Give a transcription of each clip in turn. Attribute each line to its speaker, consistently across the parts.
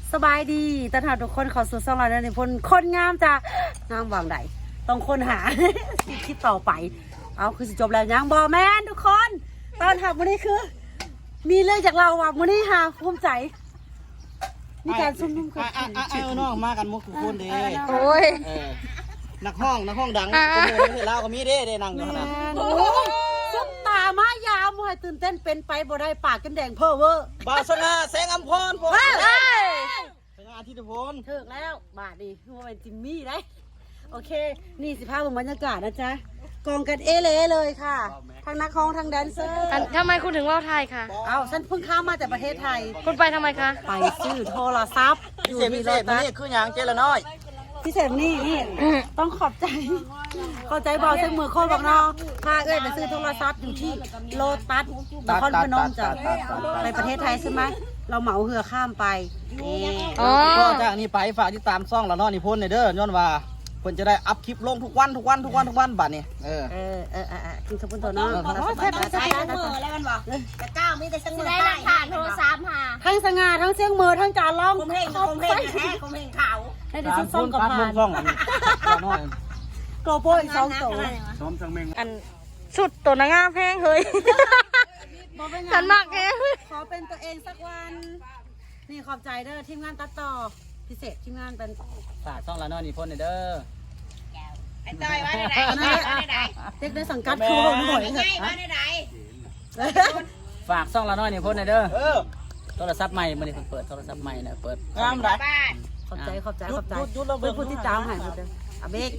Speaker 1: สบายดีตอนหาทุกคนขอสู่ช่องเราในพลคนงามจ้ะงามวางใดต้องค้นหา คิดต่อไปเอาคือสิจบแล้วยังบอแมนทุกคนตอนหับวันนี้คือ มีเรื่องจากเราว่ะวันนี้หาภูมิใจมีการซุ่มนุ่มกัน
Speaker 2: น้องมากันมุกทุกคนเด้
Speaker 1: โอ้ย
Speaker 2: นักห้องดังก็มีเวลาก็มีเด้นั่งอยู่นะ
Speaker 1: ซุ่มตามายาวมวยตื่นเต้นเป็นไปบ่ได้ปากกันแดงเพ้อเวอร์
Speaker 2: บาสนาแสงอัมพรพงสง่าทิตพล
Speaker 1: ถึกแล้วบาทดีว่าเป็นจิมมี่ได้โอเคนี่สิภาพของบรรยากาศนะจ๊ะกองกันเอเล่เลยค่ะทั้งนักร้องทั้งแดนเซอร์
Speaker 3: ทำไมคุณถึงว่าวไทยคะ
Speaker 1: เอาฉันเพิ่งข้ามมาจากประเทศไทย
Speaker 3: คุณไปทำไมคะ
Speaker 1: ไปซื้อโทรศัพท์
Speaker 2: พิเศษพิเศษนี่คืออย่างเจละน้อย
Speaker 1: พิเศษนี่ต้องขอบใจบอกเส้นมือโคตรบอกน้องพาเอ้ยไปซื้อโทรศัพท์อยู่ที่โลตัสนครพนมจ้ะไปประเทศไทยใช่ไหมเราเหมาเรือข้ามไปนี่
Speaker 3: อ๋อ
Speaker 2: ก็จากนี้ไปฝากติดตามซ่องละน้อยนิพนธ์เด้อย้อนว่าเพิ่นจะได้อัพคลิปลงทุกวันบัดนี้
Speaker 1: กินขบุนตัวน้อง
Speaker 4: ใช้มือแล้วกันบอกแต่ก้าวมีแต่ช่างมือ
Speaker 3: ได้หลักฐานโทรศัพท์ค่ะ
Speaker 1: ทั้งสง่าทั้งเสียงมือทั้งจานร้อง
Speaker 4: ผมเห็นแท้ผมเห็นขาว
Speaker 1: ให้ดิฉันส่งกับผ่าน
Speaker 2: ซ่องอันนี้ละน้อย
Speaker 1: โกโปรอีก2ตัว
Speaker 3: อันสุดตัวนางงามแพงเฮ้ยฉันมากแก
Speaker 1: ขอเป็นตัวเองสักวันนี่ขอบใจเด้อทีมงานตัดต่อพิเศษทีมงานเป็น
Speaker 2: ฝากซ่องละน้อยนิพนธ์เด้อ
Speaker 4: ไอ้ต้อยว่าไหน
Speaker 1: เด็กในสังกัดคือผมหน่อย
Speaker 4: ไงว่าไหน
Speaker 2: ฝากซ่องละน้อยนิพนธ์เด้อโทรศัพท์ใหม่มื้อนี้เปิดโทรศัพท์ใหม่นะเปิดงามได้
Speaker 4: บ้าน
Speaker 1: ขอบใจเป็นผู้ที่ตามหายหมดเลยอาเบก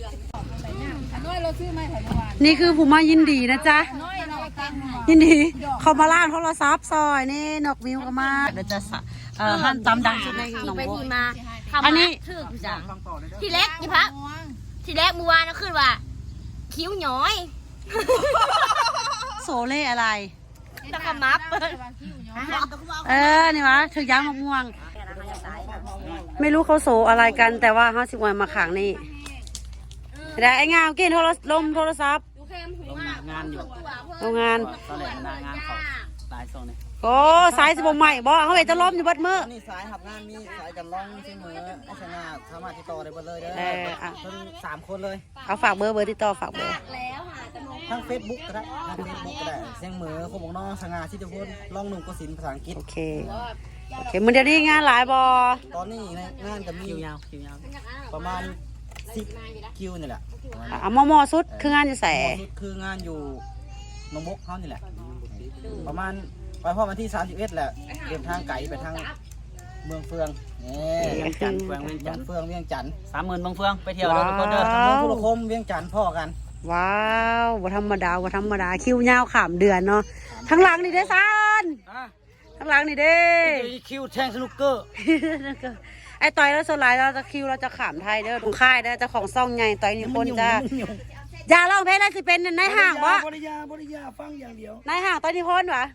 Speaker 1: นี่คือผู้มายินดีนะจ๊ะยินดีเขามาล่างโทรศัพท์ซอยนี่นกวิวก็มาเดี๋ยวจะหั่นตำดังชุดในหนอง
Speaker 3: ไป
Speaker 1: บัว
Speaker 3: ทีมา
Speaker 1: อันนี้
Speaker 3: ถือจังทีแรกยี่พักทีแรกเมื่อวานก็ขึ้นว่าคิ้วหย้อย
Speaker 1: โซเล่อะไร
Speaker 3: ตะกมับ
Speaker 1: นี่วะถือยางมะม่วง ไม่รู้เขาโซอะไรกันแต่ว่า50 วันมาขังนี่ได้ไอ้งามกินโทรศัพท์
Speaker 2: งานอยู่
Speaker 1: โรงงาน
Speaker 2: ตอนแรกมันงานเขาหลายซ่องนี่
Speaker 1: โอ้สายสิบใหม่บ่เขาเห็นจะล้มอยู่บัดมือ
Speaker 2: นี่สายหับงานมีสายกันร้องที่มือไอ้ชนะสามารถติดต่อได้หมดเลยเด้อเพิ่น3 คนเลย
Speaker 1: เอาฝากเบอร์ติดต่อฝากเบอร์
Speaker 2: ทั้ง Facebook ก็ได้ทั้ง Facebook ก็ได้เสียงเหมือคมของน้องสง่าทิตพลร้องหนุ่มกสินภาษาอังกฤษ
Speaker 1: โอเคมันเดี๋ยวนี้งานหลายบ่
Speaker 2: ตอนนี้งานจะมีคิวยาวประมาณ10 คิวนี่แหละ
Speaker 1: เอามอสุดคืองานจะแส
Speaker 2: สุดคืองานอยู่หนองบกเขานี่แหละประมาณไปพอวันที่31แหละเดินทางไกลไปทางเมืองเฟืองเวียงจันทร์เวียงจันทร์เ30,000เมืองเฟืองไปเที่ยวทุกคนเด้อเมืองทุรคมเวียงจันทร์พ่อกัน
Speaker 1: ว้าวบ่ธรรมดาคิวยาวขามเดือนเนาะข้างหลังนี่เด้อซันข้างหลังนี่เด้
Speaker 2: คิวแทงสนุกเกอร์
Speaker 1: ไอ้ต่อยแล้วสลายเราจะคิวเราจะขามไทยเด้อตรงค่ายเด้อเจ้าของซ่องใหญ่ต่อยนี่คนจ้าอย่าร้องเพลงได้สิเป็นนายห่างบ่
Speaker 2: บริยาฟังอย่างเดียวน
Speaker 1: ายห่างต่อยนี่คนวะ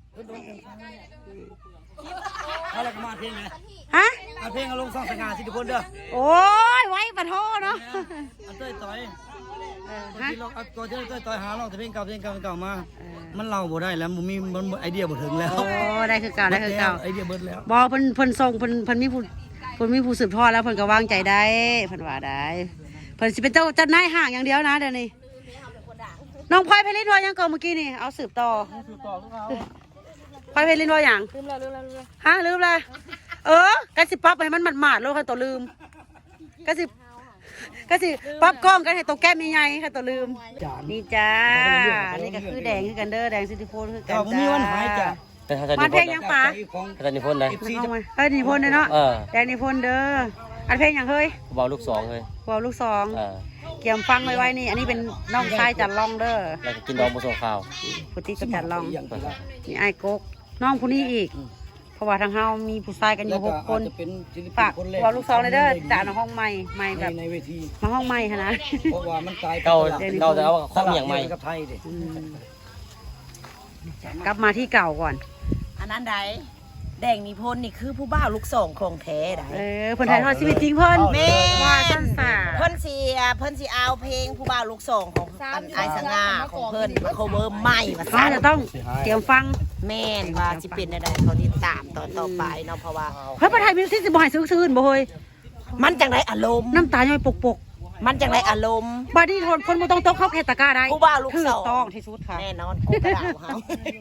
Speaker 2: เอาอะไรมาเพลงเลย
Speaker 1: ฮะ
Speaker 2: เอาเพลงเอาลงซ่องสง่าทิตพลเด้อ
Speaker 1: โอ้ยไว้ปะโทเนาะ
Speaker 2: เอาเต้ยต่อย
Speaker 1: ฮะ
Speaker 2: เอาตัวเต้ยต่อยหาเราแต่เพลงเก่ามามันเล่าบ่ได้แล้วมันไอเดียบ่ถึงแล้ว
Speaker 1: โอ้ได้คือเก่าได้คือเก่า
Speaker 2: ไอเดียเบิดแล้ว
Speaker 1: บอเพิ่นส่งเพิ่นมีผู้สืบทอดแล้วเพิ่นก็วางใจได้เพิ่นว่าได้เพิ่นสิเป็นเจ้านายห่างอย่างเดียวนะเดี๋ยวนี้น้องพลอยเพลินว่ายังก่อนเมื่อกี้นี่เอาสืบต่อพลอยเพลินว่าอย่างลืมแล้วฮะลืมแล้วกะสิปั๊บให้มันหมาดๆแล้วค่ะตัวลืมกะสิปั๊บกล้องกันให้ตัวแก้มใหญ่ๆค่ะตัวลืมนี่จ้านี่ก็คือแดงคือกันเด้อแดงซิติโฟนคือกันจ้า
Speaker 2: ผมมีวันหายจ้ะ
Speaker 1: มาเพลงยังป๋า
Speaker 5: อาจารย์นิพนธ์เลย
Speaker 1: เอามาเฮ้ยนิพนธ์เนาะแดงนิพนธ์เด้ออันเพลงอย่างเฮ้ย
Speaker 5: เบาลูกสองเลย
Speaker 1: วาวลูกสองเกี่ยมฟังไว้นี่อันนี้เป็นน้องชายจัดลองเด้อ
Speaker 5: แล้วก็กินดองผสมข้าว
Speaker 1: ผู้ที่จัดลองนี่ไอ้กกน้องผู้นี้อีกเพราะว่าทางเฮามีผู้ชายกันอยู่6 คนฝากวาวลูกสองเลยเด้อจ่าในห้องใหม่แบบ
Speaker 2: ในเวที
Speaker 1: มาห้องใหม่ค่ะนะ
Speaker 2: เพราะว่ามันตาย
Speaker 5: เก่าจะเอาข้องอย่างใหม่
Speaker 2: กับไทยดิ
Speaker 1: กลับมาที่เก่าก่อน
Speaker 4: อันนั้นใดแดงนิพนธ์นี่คือผู้บ่าวลูกสองของแท้ได้
Speaker 1: เพิ่นถ่ายทอดชีวิตจริงเพิ่น
Speaker 4: แม่
Speaker 1: ว่าซั่นซะ
Speaker 4: เพิ่นสิเอาเพลงผู้บ่าวลูกสองของอันไอสง่าของเพิ่นมาโคเวอร์ใหม่มา
Speaker 1: เขาจะต้องเตรียมฟัง
Speaker 4: แม่นว่าสิเป็นอะไรเขาติดตามตอนต่อไปเนาะเพราะว่า
Speaker 1: เฮ้ยประไทยมิวสิกสิบ่ให้ซื่นๆบ่เฮ้ย
Speaker 4: มันจังได้อารมณ์
Speaker 1: น้ำตาย่อยปก
Speaker 4: มันจังได้อารมณ์
Speaker 1: ๆบาดนี้คนบ่ต้องตกเข้าแคตตะกร้าได้
Speaker 4: ผู้บ่าวลูก
Speaker 1: ถู
Speaker 4: ส
Speaker 1: ก
Speaker 4: อง
Speaker 1: ต้องที่สุดค่ะ
Speaker 4: แน่นอนกูกระดาวเฮา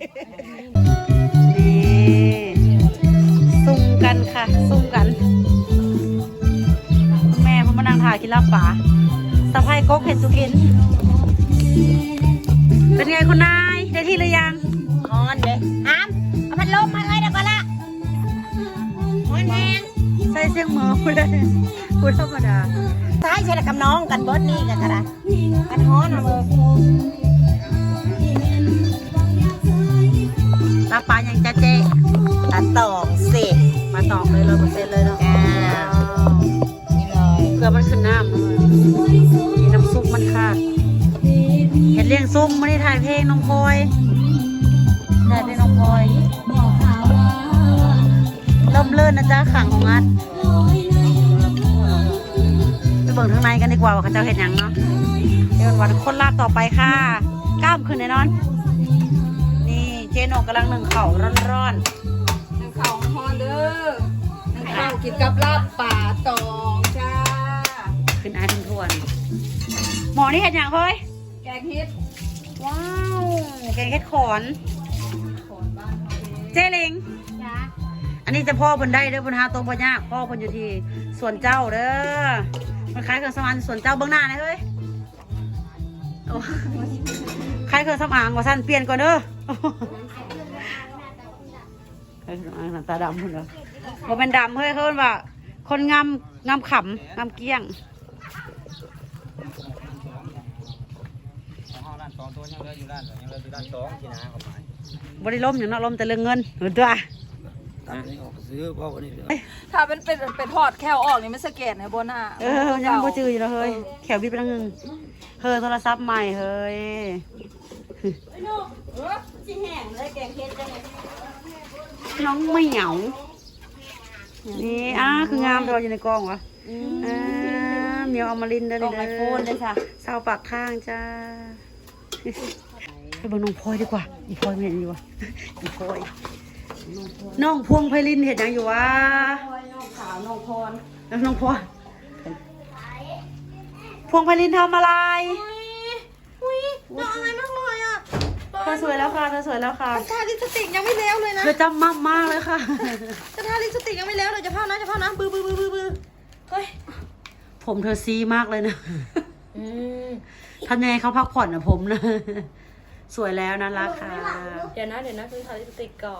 Speaker 1: นี่ซุ่มกันค่ะซุ่มกันแม่เพิ่นมานั่งถ่ายกินลาบป่าสะพายก๊กเห็ดสุกิน เป็นไงคุณนายได้ที่หรือยัง
Speaker 4: ฮอนเด้อามเอาพัดลมมาเอ้ยเดี๋ยวก่อนละฮอนแฮง
Speaker 1: ใส่เสียงหมอพูดได้พูดธรรมดา
Speaker 4: ท้ายใช่ละกับน้องกันเบิดนี่กันกระดามันฮอนเอาเลย
Speaker 1: ลาบป่ายังจะเจ๊
Speaker 4: ตัดตองเสร็จ
Speaker 1: มาตอกเลย100%เลยเนาะ
Speaker 4: นี่เลย
Speaker 1: เกลือมันขึ้นน้ำเลยมีน้ำซุปมันค่ะเห็ดเลี้ยงซุ่มไม่ได้ถ่ายเพลงน้องพลอยถ่ายเพลงน้องพลอยเริ่มเลื่อนนะจ๊ะขังของอัดไปเบิ่งข้างในกันดีกว่าว่าเขาจะเห็นยังเนาะเดี๋ยววันคนลาบต่อไปค่ะกล้ามขึ้นแน่นอน นี่เจนกกำลังนึ่งข้าวร้อน
Speaker 6: นึ่งข้าวฮอนเด้อนึ่งข้าวกินกับลาบป่าตองจ้า
Speaker 1: ๆขึ้นอายทุนทวนหมอนี่เห็นยังเฮ้ย
Speaker 6: แกงเฮ็ด
Speaker 1: ว้าวแกงเห็ดขอน เจเลิงอันนี้จะพ่อเพิ่นได้เด้อเพิ่นหาตัวบ่ยากพ่อเพิ่นอยู่ที่สวนเจ้าเด้อมันขายเครื่องสำอางสวนเจ้าเบื้องหน้านะเฮ้ยโอ้ขายเครื่องสำอางว่าซั่นเปลี่ยนก่อนเด้อขายเครื่องสำอางหน้าตาดำพุ่นเด้อบ่เป็นดำเฮ้ยเขาเอิ้นว่า คนงามขำงามเกี้ยง
Speaker 2: ห้องร้าน2ตัวยังเหลืออยู่ร้านยังเหลืออยู่ร้าน2ที่นาเขาหมาย
Speaker 1: บ่ได้ล้มอย่างเนาะล้มแต่เรื่องเงินเห็นตัว
Speaker 2: ตัดนี่ออกซื้อเพราะว่านี่
Speaker 6: ถ้าเป็นทอดแค่ออกนี่มันสแกนในบนหน้า
Speaker 1: ยังบ่จืออยู่แล้วเฮ้ยแขวบิดไปทางนึงเฮ้ยโทรศัพท์ใหม่เฮ้ยน้องไม่เหงานี่คืองามเราอยู่ในกล้องวะเหมียวเอามาลินเด้อนี่เด้อ
Speaker 4: โฟนเลยค่ะ
Speaker 1: เศร้าปากข้างจ้าไปเบิ่งน้องพลอยดีกว่าอีพลอยไม่เห็นอยู่วะอีพลอยน้องพวงไพลินเห็นยังอยู่วะน้องขาวน้องพรแล้วน้องพรพวงไพลินทำอะไร
Speaker 3: น้องอะไรมากเลยอ่ะ
Speaker 1: เธอสวยแล้วค่ะเธอสวยแล้วค่ะ
Speaker 3: ทาลิปสติกยังไม่แล้วเลยนะ
Speaker 1: เธอจำมากเลยค่ะ
Speaker 3: จะทาลิปสติกยังไม่แล้วเลยจะพานะบือเฮ้ย
Speaker 1: ผมเธอซีมากเลยนะทำยังไงเขาพักผ่อนนะผมนะ สวยแล้วนะรักค่ะ
Speaker 3: เดี๋ยวนะคือทาลิปสติกก่อน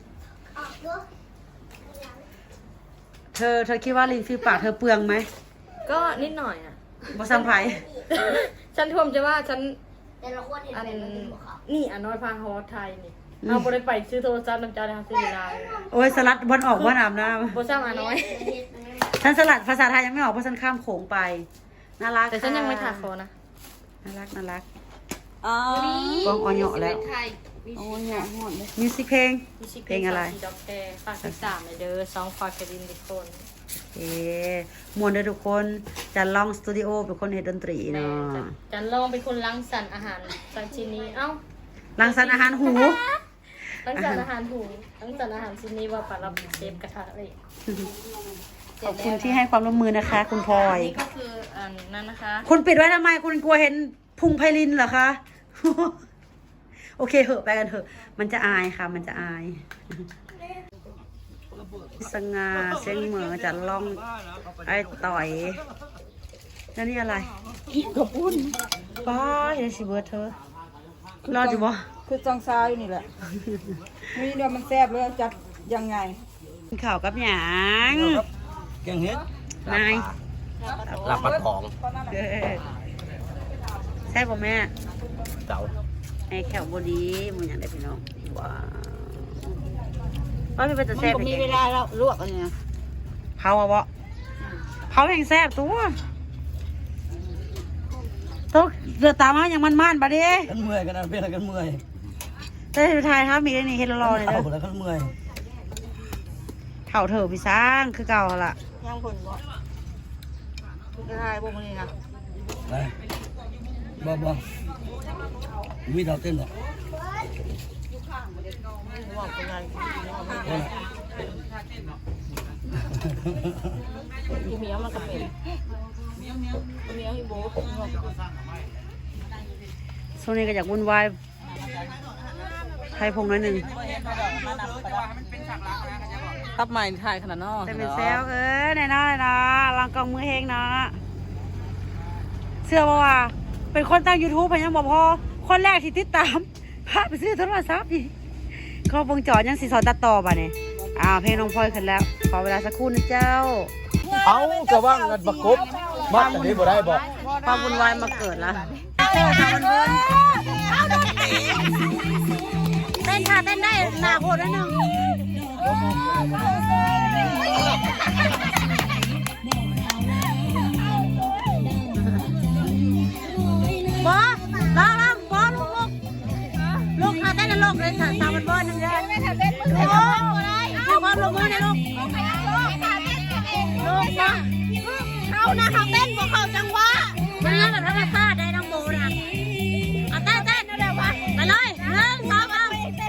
Speaker 1: เธอคิดว่าลิ้นฟิวปากเธอเปลืองไหม
Speaker 3: ก็นิดหน่อยอ่ะ
Speaker 1: บอสัมไพ
Speaker 3: ฉันท่วมจะว่าฉันอันนี่อันน้อยพาฮอไทยนี่เอาบริไปซื้อโทรศัพท์น้ำจาในซื้อเวลา
Speaker 1: โอ้ยสลัดวันออกวันอาบน้
Speaker 3: โบซ่ามาน้อย
Speaker 1: ำฉันสลัดภาษาไทยยังไม่ออกเพราะฉันข้ามโขงไปน่ารัก
Speaker 3: แต่ฉันยังไม่ทาคอนะ
Speaker 1: น่ารัก
Speaker 4: อ๋อ
Speaker 1: กล้องอ่อนเหยาะแล้ว
Speaker 3: ไทย
Speaker 1: โอ้ยเหยาะหมดเลยมิวสิกเพลง เพลงอะไร
Speaker 3: ด็อกแกฝากติดตามเลยเด้อซองฝากกระดิ่งทุกคน
Speaker 1: มวนเด้อทุกคนจะลองสตูดิโอเป็นคนเฮ็ดดนตรีเนาะ
Speaker 3: จันลองเป็นคนล้างสรรค์อาหารสังชิ้นนี้เอ้า
Speaker 1: รังสรรค์อาหารหู
Speaker 3: ล้างสรรค์อาหารถูล้างสรรค์อาหารชิ้นนี้ว่าปลารับเชฟกระทะเลย
Speaker 1: ขอบคุณที่ให้ความร่วมมือนะคะ คุณพลอย
Speaker 3: นี่ก็คืออันนั้นนะคะ
Speaker 1: คุณปิดไว้ทำไมคุณกลัวเห็นพุงไพลินเหรอคะ โอเคเหอะไปกันเถอะ มันจะอายค่ะ มันจะอาย สง่าเสียงเหมือจะล่องไอ้ต่อยแล้วนี่อะไรกระปุ้นป้าเดี๋ยวสิเบิร์ดเธอรอดอยู่บ่
Speaker 6: คือจังซาอยู่นี่แหละนี่เดี๋ยวมันแซ่บเลยจัดยังไง
Speaker 1: กินข่าวกับหยาง
Speaker 2: แกงเฮ็ด
Speaker 1: นาย
Speaker 5: ลาบปัดของ
Speaker 1: เออใช่ป่ะแม่
Speaker 5: เจ้า
Speaker 1: ไอ้แขวบดีมึงอยากได้พี่น้องว้าวว่าพี่เป็นตะแซ่บ
Speaker 4: มีเวลาแล้วลวกอะไรเนี่ย
Speaker 1: เผาอะบ่เผาแห่งแซ่บตัวต้องเดือดตามมาอย่างมันๆบะดิ
Speaker 2: กันเมื่อยกันนะเป็นอะไรกันเมื่อย
Speaker 1: แต่ถ่ายครับมีได้นี่เฮดรอเลย
Speaker 2: เอา
Speaker 1: เด้อ
Speaker 2: แล้วกันเมื่อย
Speaker 1: ข่าเถอะพี่สร้างคือเก่าหั่นล่ะ
Speaker 4: ย่างผลบ่จะทายพวกนี้นะ
Speaker 2: บ่มีดาวเต้นหรอ
Speaker 4: บอกเป็นไงอีเมียมันก็เป็นอีเมียให้โบ๊ะ
Speaker 1: ช่วงนี้ก็อยากวุ่นวายไทยพงหน่อยหนึ่ง
Speaker 6: ทับใหม่ถ่ายขนาดนอก
Speaker 1: แต่เป็นแซวแน่นอนเลยนะลองกองมือเฮงนะเชื่อว่าเป็นคนตั้ง YouTube พันยังบอกพอคนแรกที่ติดตามพาไปซื้อโทรศัพท์อีกเขาวงจรยังสีสอนตัดต่อป่ะเนี่ยเพลงน้องพลอยขึ้นแล้วขอเวลาสักครู่นะเจ้า
Speaker 2: เอากระว่างกันประกบมัดอันนี้บ่ได้บอก
Speaker 1: ความวุ่นวายมาเกิดแล้วเต้นค่ะเต้นได้หนาโหดนิดนึงบอลองบอลลูกค่ะเต้นนะลูกเลยสาวบอลนึงเลยไม่ทำเต้นลูกบอลลงมือเลยลูกลูกนะเขานะเขาเต้นพวกเขาจังหวะมันเรื่องแบบธรรมชาติได้น้องโบนะเอาเต้นเต้นเร็วๆมาไปเลย1 2เอา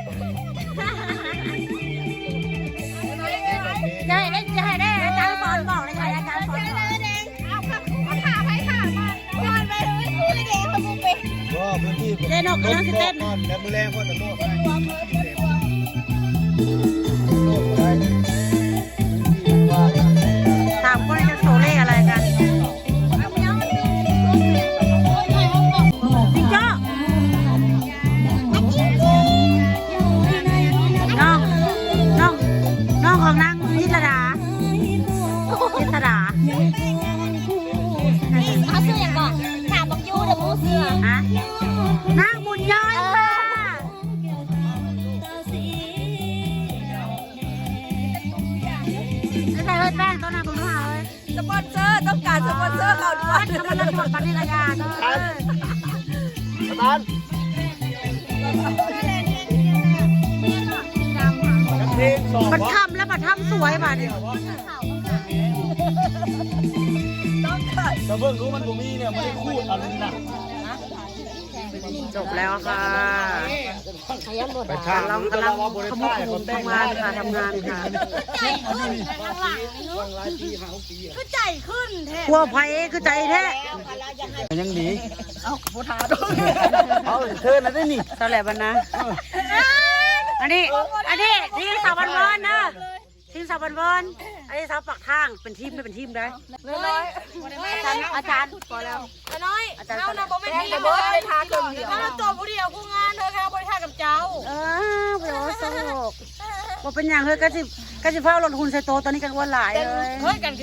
Speaker 1: จะให้ได้อาจารย์สอนบอกเลยอาจารย์สอนบอกเล่นออกกำลังเต้นแล้วมือแรงพอจะโน้ตถามคนจะโซเล่อะไรกันพี่เจ้าน้องของนางพิธดา
Speaker 7: เขาซื้ออย่างก่อนถามบอกยูเดี๋ยวมูเสือ
Speaker 1: ฮะนางบุญย้อยค่ะใส่เฮ้ยแป้งต้นนาบุญหาเลย
Speaker 6: สปอนเซอร์ต้องการสปอนเซอร์เขาด้วย
Speaker 1: กำลังหมดปฏิกิริยาบัดทำแล้วบัดทำสวยบัดเนี่ย
Speaker 2: แต่เบิ่งรู้มันบ่มีเนี่ยไม่ได้คูดอะไรนะ
Speaker 1: จบแล้วค่ะ
Speaker 2: ไปทาง
Speaker 1: เรากำลังขมุกทำงานค่ะทำงานค่ะคือใจขึ้นแท้กลัวไฟคือใจแท้
Speaker 2: ยังหนีเอาผู้ท้าด้วยเอาเธอน่ะได้นี่
Speaker 1: เท่าไหร่บ้านนะอันนี้ทีมสาวบันเวิร์นนะทีมสาวบันเวิร์นอันนี้สาวปักทางเป็นทีมไม่เป็นทีมได้อาจารย์พอแล้วน้อยอาจารย์
Speaker 3: เรานะบอกไม่ได้แต่เบิร์ดไปทานกับเดียวถ้าตัวผู้เดียวผู้งานเธอแค่บริทานกับเจ้า
Speaker 1: โอ้โหว่าเป็นอย่างเฮ้ยก็สิเฝ้าลงทุนใส่โตตอนนี้กันวันหลายเลย
Speaker 3: เฮ้ยกัน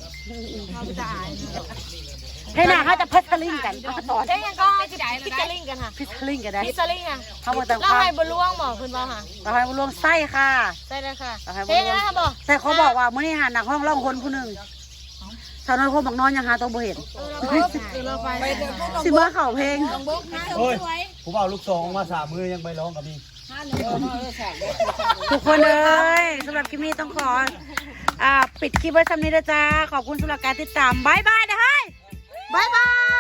Speaker 1: ให้หน้าเขาจะพัชลิงกันสอน
Speaker 3: เอ้ยยังก็พิจาริงกันค่ะ
Speaker 1: พิชลิงกันได้
Speaker 3: พิจาริงอ่ะ
Speaker 1: เขาบอกต่าง
Speaker 3: เราให้บรล่วงหมอคุณบ่ค่ะ
Speaker 1: เราให้บุญรวงไส้ค่ะ
Speaker 3: ได้เลยค่ะ
Speaker 1: เราให้บุ
Speaker 3: เฮ้
Speaker 1: ญ
Speaker 3: ย
Speaker 1: รวง
Speaker 3: นะคะบอก
Speaker 1: แต่เขาบอกว่ามื้อนี้หาหนักห้องล่องคนผู้หนึ่งสาวนอยคนบักนอนยังหาตัวบ่เห็นสิมาเข่าเพลง
Speaker 2: โอ้ยผู้บ่าวลูกสองมา3 มือยังไปร้องกับมี
Speaker 1: ทุกคนเลยสำหรับคลิปนี้ต้องขอปิดคลิปไว้สำนี้นะจ๊ะขอบคุณสำหรับการติดตามบายบายนะเฮ้ยบายบาย